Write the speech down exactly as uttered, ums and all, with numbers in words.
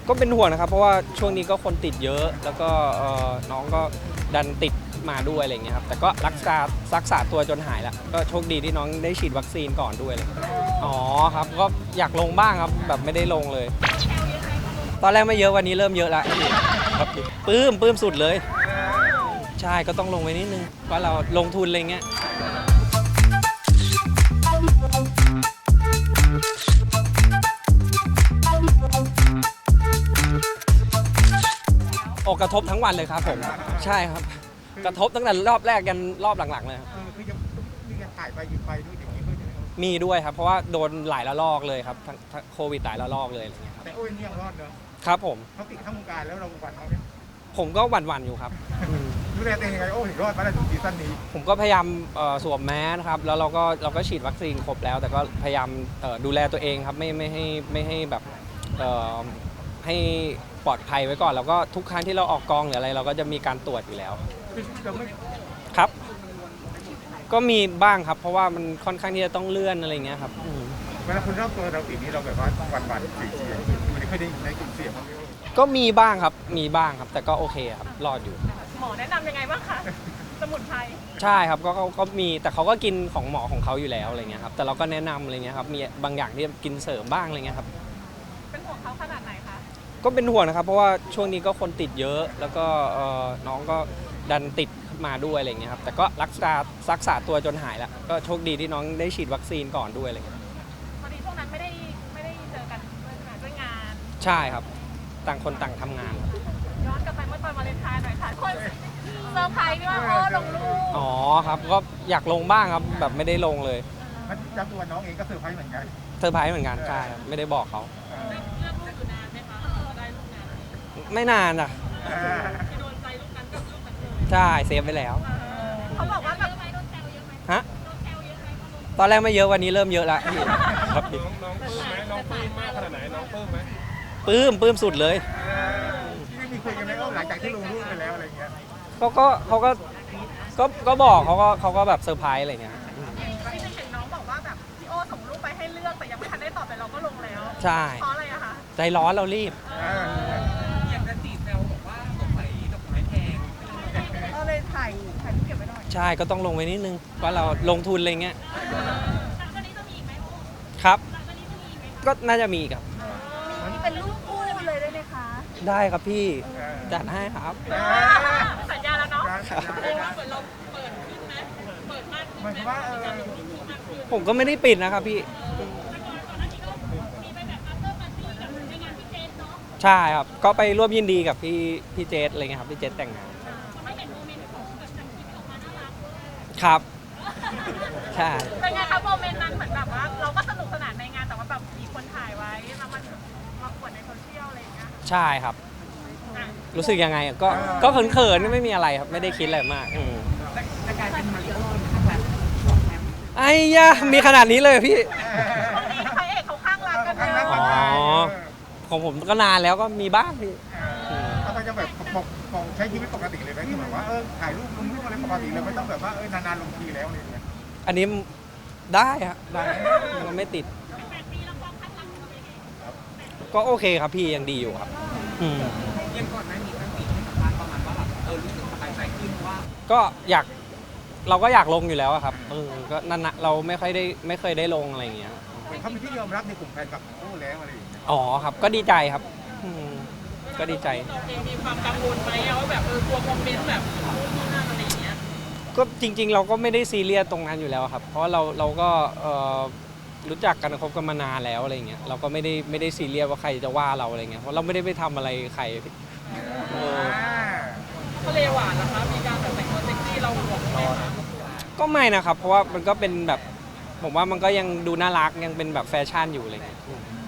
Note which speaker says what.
Speaker 1: ก็เป็นห่วงนะครับเพราะว่าช่วงนี้ก็คนติดเยอะแล้วก็น้องก็ดันติดมาด้วยอะไรเงี้ยครับแต่ก็รักษารักษาตัวจนหายแล้วก็โชคดีที่น้องได้ฉีดวัคซีนก่อนด้วยเลยอ๋อครับก็อยากลงบ้างครับแบบไม่ได้ลงเลยตอนแรกไม่เยอะวันนี้เริ่มเยอะแล้วครับปลื้มปลื้มสุดเลยใช่ก็ต้องลงไปนิดนึงว่าเราลงทุนอะไรเงี้ยโอ้กระทบทั้งวันเลยครับผมใช่ครับกระทบตั้งแต่รอบแรกยันรอบหลังๆเลยครับ
Speaker 2: คือยังมีการถ่ายไปหยิบไปด้วยอย่างนี้ด้วยใช่ไหมครับ
Speaker 1: มีด้วยครับเพราะว่าโดนหลายระลอกเลยครับทั้งโควิดหลายระลอกเลยอะไรเงี้ยครับ
Speaker 2: แต่โอ้ยนี่ยังรอดเนอะ
Speaker 1: ครับผม
Speaker 2: เขาติดทั้งวงการแล้วเราหวั่นเขาเนี่ย
Speaker 1: ผมก็หวั่นๆอยู่ครับ
Speaker 2: ดูแลตัวเองยังไงโอ้ถึงรอดมาได้ถึงซีซั่นนี้
Speaker 1: ผมก็พยายามสวมแมสครับแล้วเราก็เราก็ฉีดวัคซีนครบแล้วแต่ก็พยายามดูแลตัวเองครับไม่ไม่ให้ไม่ให้แบบให้ปลอดภัยไว้ก่อนแล้วก็ทุกครั้งที่เราออกกองหรืออะไรเราก็จะมีการตรวจอยู่แล้วครับก็มีบ้างครับเพราะว่ามันค่อนข้างที่จะต้องเลื่อนอะไรเงี้ยครับ
Speaker 2: เวลาคนรอบตัวเราติดนี้เราแบบว่าหวั่นหวั่นเสียเสียอยู่ในค่อยได้ในกลุ่มเสี่ยง
Speaker 1: ก็มีบ้างครับมีบ้างครับแต่ก็โอเคครับรอดอยู่
Speaker 3: หมอแนะนำยังไงบ้างคะสมุนไพร
Speaker 1: ใช่ครับก็ก็มีแต่เขาก็กินของหมอของเขาอยู่แล้วอะไรเงี้ยครับแต่เราก็แนะนำอะไรเงี้ยครับมีบางอย่างที่กินเสริมบ้างอะไรเงี้ยครับ
Speaker 3: เป็นห่วงเขาขนาดไหนคะ
Speaker 1: ก็เป็นห่วงนะครับเพราะว่าช่วงนี้ก็คนติดเยอะแล้วก็น้องก็ดันติดมาด้วยอะไรเงี้ยครับแต่ก็รักษารักษาตัวจนหายแล้วก็โชคดีที่น้องได้ฉีดวัคซีนก่อนด้วยอะไรเงี้ย
Speaker 3: พอดีช่วงนั้นไม่ได้ไม่ได้เจอกันด้วยงาน
Speaker 1: ใช่ครับต่างคนต่างทำงาน
Speaker 3: ย้อนกลับไปเมื่อตอนวาเลนไทน์หน่อยค่ะคนเซอร์ไพรส์ที่ว่าโอ้ลงรูป
Speaker 1: อ๋อครับก็อยากลงบ้างครับแบบไม่ได้ลงเลย
Speaker 2: มันจับตัวน้องเองก็เซอร์ไพรส์เหมือนกัน
Speaker 1: เซอร์ไพรส์เหมือนกันใช่ไม่ได้บอกเขา
Speaker 3: เลือกรูปอยู่นานไหมคะได้รูปนาน
Speaker 1: ไม่นานอ่ะ
Speaker 3: ที่โดนใจรูปนั้นก็รูปนั้นเลย
Speaker 1: ใช่เซฟไปแล้ว
Speaker 3: เขาบอกว่าแบบ
Speaker 1: โดนแซวเยอะไหมฮะตอนแรกไม่เยอะวันนี้เริ่มเยอะแล้วครับ
Speaker 4: น้องปลื้มไหมน้องปลื้มมากขนาดไหนน้องปลื้มไหม
Speaker 1: ปลื้มปลื้มสุดเลย
Speaker 2: ที่มีคุยกันไหมว่าหลังจากที่ลงรูปไปแล้วอะไรเงี้ย
Speaker 1: เขาก็เขาก็ก็ก็บอกเขาก็เขาก็แบบเซอร์ไพรส์อะไรเงี้ย
Speaker 3: ที่เห็นน้องบอกว่าแบบพี่โอส่งรูปไปให้เลือกแต่ยังไม่ทันได้ตอบแต่เราก็ลงแล้ว
Speaker 1: ใช่
Speaker 3: เพราะอะไรอะคะ
Speaker 1: ใจร้อนเรารีบ
Speaker 3: อยากจะจีบแซวบอกว่าดอกไม้ดอกไม้แพงก็เลยถ่ายถ่ายเก็บไว้หน่อย
Speaker 1: ใช่ก็ต้องลงไว้นิดนึงว่าเราลงทุนอะไรเงี้ย
Speaker 3: วันนี้จะมีอีกไหม
Speaker 1: ครับก็น่าจะมีครับ
Speaker 3: นี่เป็นรูปคู่เลยได้ไหมคะ
Speaker 1: ได้ครับพี่จัดให้ครับ
Speaker 3: สัญญาแล้วเนาะเรียกว่าเหมือนเราเปิดขึ้นไหมเปิดมากขึ้นไหม
Speaker 1: ผมก็ไม่ได้ปิดนะครับพี่ใช่ครับก็ไปร่วมยินดีกับพี่พี่เจษอะไรเงี้ยครับพี่เจษแต่งงานครับใช่
Speaker 3: เป็นไงครับโมเมนต์นั้นเหมือนแบบว่าเราก็สนุกสนานในงานแต่ว่าแบบมีคนถ่ายไว้แล้วมันมาปวดในโซเชียลอะไรอย่างเงี้ย
Speaker 1: ใช่ครับรู้สึกยังไงก็ก็เขินๆไม่มีอะไรครับไม่ได้คิดอะไรมาก
Speaker 3: แต่กลายเป็นมาริโอ้
Speaker 1: ไอ้ยะมีขนาดนี้เลยพี่
Speaker 3: คนนี้พระเอกเขาข้างรักกันเลย
Speaker 1: อ๋อของผมก็นานแล้วก็มีบ้างพี่
Speaker 2: เขาจะแบบปกใช้ชีวิตปกติเลยไหมที่แบบว่าเออถ่ายรูปลงรูปอะไรปกติเลยไม่ต้องแบบว่าเออนานๆลงทีแล้วอะไรอย่างเงี้ย
Speaker 1: อันนี้ได้ครับได้มันไม่ติดก็โอเคครับพี่ยังดีอยู่ครับ
Speaker 3: ยังก่อนหน้านี้ตั้งปีให้สัมภาษณ์ประมาณว่าแบบเออรู้สึกสบายใจขึ้นว่า
Speaker 1: ก็อยากเราก็อยากลงอยู่แล้วครับเออก็นั่นนะเราไม่ค่อยได้ไม่เคยได้ลงอะไรอย่างเงี้ย
Speaker 2: เขาเป็นที่ยอมรับในกลุ่มแฟนคลับโอ้แล้วอะไรอย่างเงี้ย
Speaker 1: อ๋อครับก็ดีใจครับก็ดีใจ
Speaker 3: มีความกังวลไหมว่าแบบเออกลัวคอมเมนต์แบบนู่นนั่นอะไรอย่างเงี้ย
Speaker 1: ก็จริงๆเราก็ไม่ได้ซีเรียสตรงนั้นอยู่แล้วครับเพราะเราเราก็รู้จักกันคบกันมานานแล้วอะไรเงี้ยเราก็ไม่ได้ไม่ได้ซีเรียสว่าใครจะว่าเราอะไรเงี้ยเพราะเราไม่ได้ไปทำอะไรใคร
Speaker 3: ทะเลหวานนะคะมีการแบบแต่งตัวเซ็กซี่เราหวงไหมคะ
Speaker 1: ก็ไม่นะครับเพราะว่ามันก็เป็นแบบผมว่ามันก็ยังดูน่ารักยังเป็นแบบแฟชั่นอยู่อะไรเงี้ย